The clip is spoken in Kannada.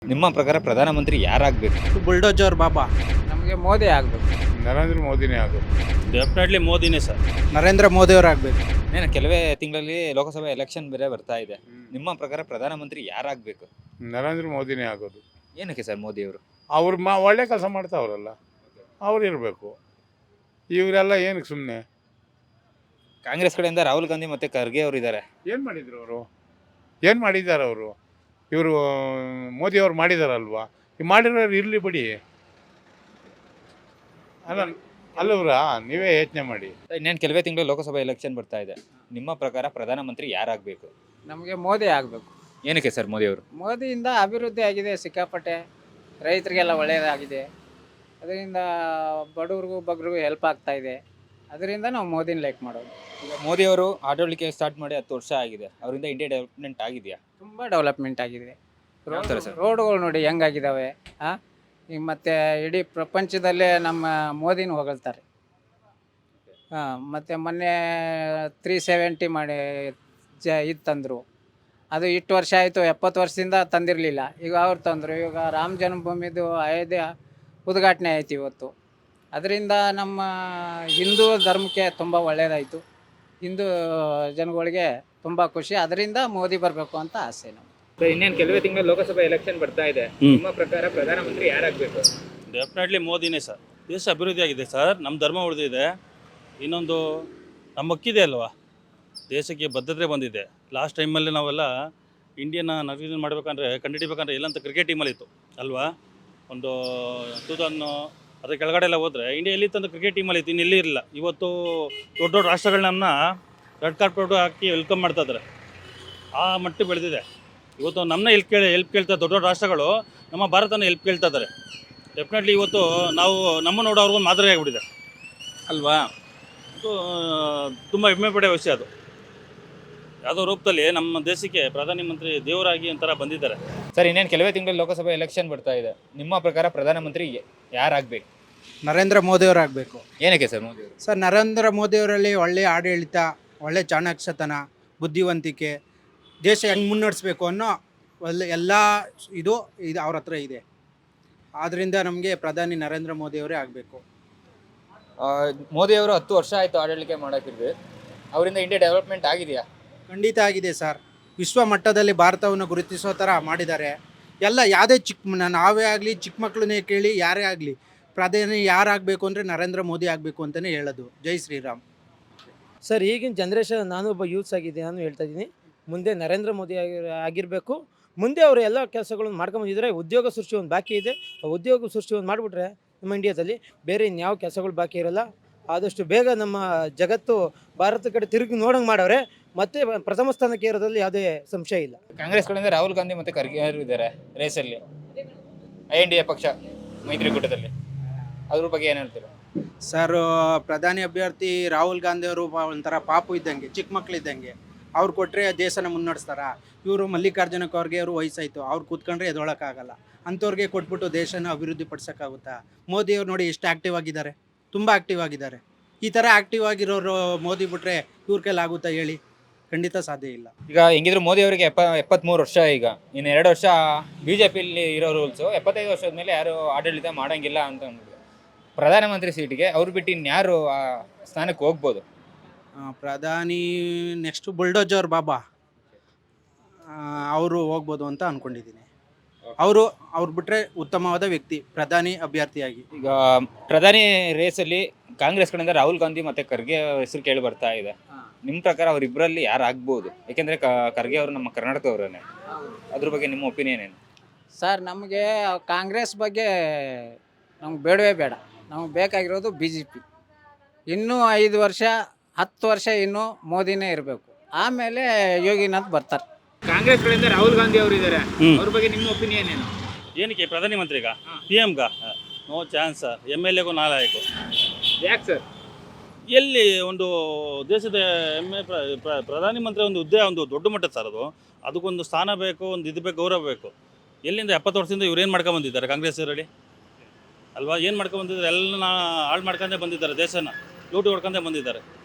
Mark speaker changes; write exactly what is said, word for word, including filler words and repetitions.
Speaker 1: ನಿಮ್ಮ ಪ್ರಕಾರ ಪ್ರಧಾನಮಂತ್ರಿ ಯಾರಾಗಬೇಕು?
Speaker 2: ಬುಲ್ಡೋಜರ್ ಬಾಬಾ.
Speaker 3: ನಮಗೆ ಮೋದಿ ಆಗಬೇಕು.
Speaker 4: ನರೇಂದ್ರ ಮೋದಿನೇ ಆಗೋದು.
Speaker 5: ಡೆಫಿನೆಟ್ಲಿ ಮೋದಿನೇ ಸರ್.
Speaker 2: ನರೇಂದ್ರ ಮೋದಿ ಅವರಾಗಬೇಕು.
Speaker 1: ಏನು ಕೆಲವೇ ತಿಂಗಳಲ್ಲಿ ಲೋಕಸಭೆ ಎಲೆಕ್ಷನ್ ಬೇರೆ ಬರ್ತಾ ಇದೆ. ನಿಮ್ಮ ಪ್ರಕಾರ ಪ್ರಧಾನಮಂತ್ರಿ ಯಾರಾಗಬೇಕು?
Speaker 4: ನರೇಂದ್ರ ಮೋದಿನೇ ಆಗೋದು.
Speaker 1: ಏನಕ್ಕೆ ಸರ್ ಮೋದಿ ಅವರು?
Speaker 4: ಅವ್ರು ಮಾ ಒಳ್ಳೆ ಕೆಲಸ ಮಾಡ್ತಾವ್ರಲ್ಲ, ಅವ್ರು ಇರಬೇಕು. ಇವರೆಲ್ಲ ಏನಕ್ಕೆ ಸುಮ್ಮನೆ?
Speaker 1: ಕಾಂಗ್ರೆಸ್ ಕಡೆಯಿಂದ ರಾಹುಲ್ ಗಾಂಧಿ ಮತ್ತು ಖರ್ಗೆ ಅವರು ಇದ್ದಾರೆ.
Speaker 4: ಏನು ಮಾಡಿದ್ರು ಅವರು? ಏನು ಮಾಡಿದ್ದಾರೆ ಅವರು? ಇವರು ಮೋದಿ ಅವ್ರು ಮಾಡಿದಾರಲ್ವಾ? ಈ ಮಾಡಿರೋರು ಇರಲಿ ಬಿಡಿ. ಅಲ್ಲ ಅಲ್ಲವ್ರಾ, ನೀವೇ ಯೋಚನೆ ಮಾಡಿ.
Speaker 1: ಇನ್ನೇನು ಕೆಲವೇ ತಿಂಗಳು ಲೋಕಸಭೆ ಎಲೆಕ್ಷನ್ ಬರ್ತಾ ಇದೆ. ನಿಮ್ಮ ಪ್ರಕಾರ ಪ್ರಧಾನಮಂತ್ರಿ ಯಾರಾಗಬೇಕು?
Speaker 3: ನಮಗೆ ಮೋದಿ ಆಗಬೇಕು.
Speaker 1: ಏನಕ್ಕೆ ಸರ್ ಮೋದಿ ಅವರು?
Speaker 3: ಮೋದಿಯಿಂದ ಅಭಿವೃದ್ಧಿ ಆಗಿದೆ ಸಿಕ್ಕಾಪಟ್ಟೆ, ರೈತರಿಗೆಲ್ಲ ಒಳ್ಳೆಯದಾಗಿದೆ. ಅದರಿಂದ ಬಡವ್ರಿಗೂ ಬಗ್ರಿಗೂ ಹೆಲ್ಪ್ ಆಗ್ತಾ ಇದೆ. ಅದರಿಂದ ನಾವು ಮೋದಿನ ಲೈಕ್ ಮಾಡೋದು.
Speaker 1: ಈಗ ಮೋದಿ ಅವರು ಆಡಳಿಕೆ ಸ್ಟಾರ್ಟ್ ಮಾಡಿ ಹತ್ತು ವರ್ಷ ಆಗಿದೆ. ಅವರಿಂದ ಇಂಡಿಯಾ ಡೆವಲಪ್ಮೆಂಟ್ ಆಗಿದೆಯಾ?
Speaker 3: ತುಂಬ ಡೆವಲಪ್ಮೆಂಟ್ ಆಗಿದೆ.
Speaker 1: ಯಾವ ಥರ ಸರ್?
Speaker 3: ರೋಡ್ಗಳು ನೋಡಿ ಹೆಂಗಾಗಿದ್ದಾವೆ. ಹಾಂ, ಈಗ ಮತ್ತು ಇಡೀ ಪ್ರಪಂಚದಲ್ಲೇ ನಮ್ಮ ಮೋದಿನ ಹೊಗಳ್ತಾರೆ. ಹಾಂ, ಮತ್ತು ಮೊನ್ನೆ ತ್ರೀ ಸೆವೆಂಟಿ ಮಾಡಿ ಜ ಇದು ತಂದರು. ಅದು ಇಷ್ಟು ವರ್ಷ ಆಯಿತು, ಎಪ್ಪತ್ತು ವರ್ಷದಿಂದ ತಂದಿರಲಿಲ್ಲ. ಈಗ ಅವ್ರು ತಂದರು. ಇವಾಗ ರಾಮ ಜನ್ಮಭೂಮಿದು ಅಯೋಧ್ಯೆ ಉದ್ಘಾಟನೆ ಆಯ್ತು ಇವತ್ತು. ಅದರಿಂದ ನಮ್ಮ ಹಿಂದೂ ಧರ್ಮಕ್ಕೆ ತುಂಬ ಒಳ್ಳೆಯದಾಯಿತು. ಹಿಂದೂ ಜನಗಳಿಗೆ ತುಂಬ ಖುಷಿ. ಅದರಿಂದ ಮೋದಿ ಬರಬೇಕು ಅಂತ ಆಸೆ ನಮ್ಗೆ.
Speaker 1: ಇನ್ನೇನು ಕೆಲವೇ ತಿಂಗಳು ಲೋಕಸಭೆ ಎಲೆಕ್ಷನ್ ಬರ್ತಾ ಇದೆ. ನಿಮ್ಮ ಪ್ರಕಾರ ಪ್ರಧಾನಮಂತ್ರಿ ಯಾರಾಗಬೇಕು?
Speaker 5: ಡೆಫಿನೆಟ್ಲಿ ಮೋದಿನೇ ಸರ್. ದೇಶ ಅಭಿವೃದ್ಧಿ ಆಗಿದೆ ಸರ್, ನಮ್ಮ ಧರ್ಮ ಉಳಿದಿದೆ. ಇನ್ನೊಂದು ನಮ್ಮ ಹಕ್ಕಿದೆ ಅಲ್ವಾ, ದೇಶಕ್ಕೆ ಬದ್ಧತೆ ಬಂದಿದೆ. ಲಾಸ್ಟ್ ಟೈಮಲ್ಲಿ ನಾವೆಲ್ಲ ಇಂಡಿಯನ್ನ ನವೀಕರಣ ಮಾಡಬೇಕಂದ್ರೆ ಕಂಡುಹಿಡಿಬೇಕಂದ್ರೆ ಎಲ್ಲಂತ ಕ್ರಿಕೆಟ್ ಟೀಮಲ್ಲಿತ್ತು ಅಲ್ವಾ. ಒಂದು ಟೂ ತೌಸಂಡ್ ಅದ್ರ ಕೆಳಗಡೆ ಎಲ್ಲ ಹೋದರೆ ಇಂಡಿಯಾ ಎಲ್ಲಿ ತಂದು ಕ್ರಿಕೆಟ್ ಟೀಮಲ್ಲಿ ಇತ್ತು, ಇನ್ನು ಎಲ್ಲಿ ಇರಲಿಲ್ಲ. ಇವತ್ತು ದೊಡ್ಡ ದೊಡ್ಡ ರಾಷ್ಟ್ರಗಳು ನಮ್ಮನ್ನ ರೆಡ್ ಕಾರ್ಪೆಟ್ ಹಾಕಿ ವೆಲ್ಕಮ್ ಮಾಡ್ತಾ ಇದ್ದಾರೆ. ಆ ಮಟ್ಟಿಗೆ ಬೆಳೆದಿದೆ. ಇವತ್ತು ನಮ್ಮನ್ನ ಹೆಲ್ಪ್ ಕೇಳಿ ಹೆಲ್ಪ್ ಕೇಳ್ತಾ ದೊಡ್ಡ ದೊಡ್ಡ ರಾಷ್ಟ್ರಗಳು ನಮ್ಮ ಭಾರತನ ಹೆಲ್ಪ್ ಕೇಳ್ತಾ ಇದ್ದಾರೆ. ಡೆಫಿನೆಟ್ಲಿ ಇವತ್ತು ನಾವು ನಮ್ಮ ನೋಡೋ ಅವ್ರಿಗೊಂದು ಮಾದರಿ ಆಗಿಬಿಟ್ಟಿದೆ ಅಲ್ವಾ. ಇದು ತುಂಬ ಹೆಮ್ಮೆ ಪಡೆಯೋ ವಿಷಯ. ಅದು ಯಾವುದೋ ರೂಪದಲ್ಲಿ ನಮ್ಮ ದೇಶಕ್ಕೆ ಪ್ರಧಾನಮಂತ್ರಿ ದೇವರಾಗಿ ಒಂಥರ ಬಂದಿದ್ದಾರೆ.
Speaker 1: ಸರ್ ಇನ್ನೇನು ಕೆಲವೇ ತಿಂಗಳು ಲೋಕಸಭೆ ಎಲೆಕ್ಷನ್ ಬರ್ತಾ ಇದೆ. ನಿಮ್ಮ ಪ್ರಕಾರ ಪ್ರಧಾನಮಂತ್ರಿ ಯಾರಾಗಬೇಕು?
Speaker 2: ನರೇಂದ್ರ ಮೋದಿ ಅವರಾಗಬೇಕು.
Speaker 1: ಏನಕ್ಕೆ ಸರ್ ಮೋದಿ ಅವರು?
Speaker 2: ಸರ್, ನರೇಂದ್ರ ಮೋದಿ ಅವರಲ್ಲಿ ಒಳ್ಳೆಯ ಆಡಳಿತ, ಒಳ್ಳೆ ಚಾಣಾಕ್ಷತನ, ಬುದ್ಧಿವಂತಿಕೆ, ದೇಶ ಹೆಂಗೆ ಮುನ್ನಡೆಸ್ಬೇಕು ಅನ್ನೋ ಒಳ್ಳೆ ಎಲ್ಲ ಇದು ಇದು ಅವ್ರ ಹತ್ರ ಇದೆ. ಆದ್ದರಿಂದ ನಮಗೆ ಪ್ರಧಾನಿ ನರೇಂದ್ರ ಮೋದಿ ಅವರೇ ಆಗಬೇಕು.
Speaker 1: ಮೋದಿ ಅವರು ಹತ್ತು ವರ್ಷ ಆಯಿತು ಆಡಳಿಕೆ ಮಾಡೋಕ್ಕಿದ್ದು. ಅವರಿಂದ ಇಂಡಿಯಾ ಡೆವಲಪ್ಮೆಂಟ್ ಆಗಿದೆಯಾ?
Speaker 2: ಖಂಡಿತ ಆಗಿದೆ ಸರ್. ವಿಶ್ವ ಮಟ್ಟದಲ್ಲಿ ಭಾರತವನ್ನು ಗುರುತಿಸೋ ಥರ ಮಾಡಿದ್ದಾರೆ. ಎಲ್ಲ ಯಾವುದೇ ಚಿಕ್ಕ ನಾವೇ ಆಗಲಿ, ಚಿಕ್ಕ ಮಕ್ಕಳನ್ನೇ ಕೇಳಿ, ಯಾರೇ ಆಗಲಿ ಪ್ರಧಾನಿ ಯಾರಾಗಬೇಕು ಅಂದರೆ ನರೇಂದ್ರ ಮೋದಿ ಆಗಬೇಕು ಅಂತಲೇ ಹೇಳೋದು. ಜೈ ಶ್ರೀರಾಮ್.
Speaker 6: ಸರ್, ಈಗಿನ ಜನ್ರೇಷನ್, ನಾನು ಒಬ್ಬ ಯೂತ್ಸ್ ಆಗಿದೆ, ನಾನು ಹೇಳ್ತಾ ಇದ್ದೀನಿ, ಮುಂದೆ ನರೇಂದ್ರ ಮೋದಿ ಆಗಿ ಆಗಿರಬೇಕು. ಮುಂದೆ ಅವರು ಎಲ್ಲ ಕೆಲಸಗಳನ್ನು ಮಾಡ್ಕೊಂಬಂದಿದ್ದಾರೆ. ಉದ್ಯೋಗ ಸೃಷ್ಟಿ ಒಂದು ಬಾಕಿ ಇದೆ. ಆ ಉದ್ಯೋಗ ಸೃಷ್ಟಿ ಒಂದು ಮಾಡಿಬಿಟ್ರೆ ನಮ್ಮ ಇಂಡಿಯಾದಲ್ಲಿ ಬೇರೆ ಇನ್ಯಾವ ಕೆಲಸಗಳು ಬಾಕಿ ಇರೋಲ್ಲ. ಆದಷ್ಟು ಬೇಗ ನಮ್ಮ ಜಗತ್ತು ಭಾರತ ಕಡೆ ತಿರುಗಿ ನೋಡಂಗೆ ಮಾಡವ್ರೆ. ಮತ್ತೆ ಪ್ರಥಮ ಸ್ಥಾನಕ್ಕೆ ಇರೋದ್ರಲ್ಲಿ ಯಾವುದೇ ಸಂಶಯ ಇಲ್ಲ.
Speaker 1: ಕಾಂಗ್ರೆಸ್ ಕಡೆಯಿಂದ ರಾಹುಲ್ ಗಾಂಧಿ ಮತ್ತು ಖರ್ಗೆ ಅವರು ಇದ್ದಾರೆ ರೇಸಲ್ಲಿ, ಐ ಎನ್ ಡಿ ಎ ಪಕ್ಷ ಮೈತ್ರಿಕೂಟದಲ್ಲಿ. ಅದ್ರ ಬಗ್ಗೆ ಏನು ಹೇಳ್ತೀರಾ?
Speaker 2: ಸರ್, ಪ್ರಧಾನಿ ಅಭ್ಯರ್ಥಿ ರಾಹುಲ್ ಗಾಂಧಿ ಅವರು ಒಂಥರ ಪಾಪು ಇದ್ದಂಗೆ, ಚಿಕ್ಕ ಮಕ್ಳು ಇದ್ದಂಗೆ. ಅವ್ರು ಕೊಟ್ಟರೆ ದೇಶನ ಮುನ್ನಡೆಸ್ತಾರ. ಇವರು ಮಲ್ಲಿಕಾರ್ಜುನ ಖರ್ಗೆ ಅವರು ವಯಸ್ಸಾಯಿತು, ಅವ್ರು ಕೂತ್ಕೊಂಡ್ರೆ ಎದೊಳಕ್ಕಾಗಲ್ಲ. ಅಂಥವ್ರಿಗೆ ಕೊಟ್ಬಿಟ್ಟು ದೇಶನ ಅಭಿವೃದ್ಧಿ ಪಡಿಸೋಕ್ಕಾಗುತ್ತಾ? ಮೋದಿಯವ್ರು ನೋಡಿ ಎಷ್ಟು ಆ್ಯಕ್ಟಿವ್ ಆಗಿದ್ದಾರೆ, ತುಂಬ ಆ್ಯಕ್ಟಿವ್ ಆಗಿದ್ದಾರೆ. ಈ ಥರ ಆ್ಯಕ್ಟಿವ್ ಆಗಿರೋರು ಮೋದಿ ಬಿಟ್ಟರೆ ಇವ್ರ ಕೈಲಾಗುತ್ತಾ ಹೇಳಿ? ಖಂಡಿತ ಸಾಧ್ಯ ಇಲ್ಲ.
Speaker 1: ಈಗ ಹೆಂಗಿದ್ರು ಮೋದಿ ಅವರಿಗೆ ಎಪ್ಪ ಎಪ್ಪತ್ತ್ಮೂರು ವರ್ಷ. ಈಗ ಇನ್ನು ಎರಡು ವರ್ಷ ಬಿ ಜೆ ಪಿಲಿ ಇರೋ ರೂಲ್ಸು, ಎಪ್ಪತ್ತೈದು ವರ್ಷದ ಮೇಲೆ ಯಾರು ಆಡಳಿತ ಮಾಡೋಂಗಿಲ್ಲ ಅಂತ ಅಂದ್ಬಿಟ್ಟು ಪ್ರಧಾನಮಂತ್ರಿ ಸೀಟಿಗೆ ಅವ್ರು ಬಿಟ್ಟು ಇನ್ಯಾರು ಆ ಸ್ಥಾನಕ್ಕೆ ಹೋಗ್ಬೋದು?
Speaker 2: ಪ್ರಧಾನಿ ನೆಕ್ಸ್ಟ್ ಬುಲ್ಡೋಜರ್ ಬಾಬಾ ಅವರು ಹೋಗ್ಬೋದು ಅಂತ ಅಂದ್ಕೊಂಡಿದ್ದೀನಿ. ಅವರು ಅವ್ರು ಬಿಟ್ಟರೆ ಉತ್ತಮವಾದ ವ್ಯಕ್ತಿ ಪ್ರಧಾನಿ ಅಭ್ಯರ್ಥಿಯಾಗಿ.
Speaker 1: ಈಗ ಪ್ರಧಾನಿ ರೇಸಲ್ಲಿ ಕಾಂಗ್ರೆಸ್ ಕಡೆಯಿಂದ ರಾಹುಲ್ ಗಾಂಧಿ ಮತ್ತು ಖರ್ಗೆ ಹೆಸರು ಕೇಳಿ ಬರ್ತಾ ಇದೆ. ನಿಮ್ಮ ಪ್ರಕಾರ ಅವರಿಬ್ಬರಲ್ಲಿ ಯಾರು ಆಗ್ಬೋದು? ಯಾಕೆಂದರೆ ಖರ್ಗೆ ಅವರು ನಮ್ಮ ಕರ್ನಾಟಕದವರೇ. ಅದ್ರ ಬಗ್ಗೆ ನಿಮ್ಮ ಒಪಿನಿಯನ್ ಏನು?
Speaker 3: ಸರ್, ನಮಗೆ ಕಾಂಗ್ರೆಸ್ ಬಗ್ಗೆ ನಮ್ಗೆ ಬೇಡವೇ ಬೇಡ. ನಮಗೆ ಬೇಕಾಗಿರೋದು ಬಿ ಜೆ ಪಿ. ಇನ್ನೂ ಐದು ವರ್ಷ ಹತ್ತು ವರ್ಷ ಇನ್ನೂ ಮೋದಿನೇ ಇರಬೇಕು. ಆಮೇಲೆ ಯೋಗಿನಾಥ್ ಬರ್ತಾರೆ.
Speaker 1: ಕಾಂಗ್ರೆಸ್ ಕಡೆಯಿಂದ ರಾಹುಲ್ ಗಾಂಧಿ ಅವರು ಇದ್ದಾರೆ. ಅವ್ರ ಬಗ್ಗೆ ನಿಮ್ಮ ಒಪಿನಿಯನ್ ಏನು?
Speaker 5: ಏನಕ್ಕೆ ಪ್ರಧಾನಮಂತ್ರಿಗ ಪಿ ಎಮ್ಗ no chance sir. M L ಎಗೂ ನಾಲಾಯಕು.
Speaker 1: ಯಾಕೆ ಸರ್?
Speaker 5: ಎಲ್ಲಿ ಒಂದು ದೇಶದ ಎಮ್ ಎ ಪ್ರಧಾನಮಂತ್ರಿ ಒಂದು ಹುದ್ದೆ ಒಂದು ದೊಡ್ಡ ಮಟ್ಟದ ಸರ್. ಅದು ಅದಕ್ಕೊಂದು ಸ್ಥಾನ ಬೇಕು, ಒಂದು ಇದು ಬೇಕು, ಗೌರವ ಬೇಕು. ಎಲ್ಲಿಂದ ಎಪ್ಪತ್ತು ವರ್ಷದಿಂದ ಇವ್ರು ಏನು ಮಾಡ್ಕೊಂಬಂದಿದ್ದಾರೆ ಕಾಂಗ್ರೆಸ್ ಅವರಲ್ಲಿ ಅಲ್ವಾ? ಏನು ಮಾಡ್ಕೊಂಬಂದಿದ್ದಾರೆ? ಎಲ್ಲ ಹಾಳು ಮಾಡ್ಕೊಂಡೇ ಬಂದಿದ್ದಾರೆ, ದೇಶನ ಲೂಟಿ ಹೊಡ್ಕೊಂಡೇ ಬಂದಿದ್ದಾರೆ.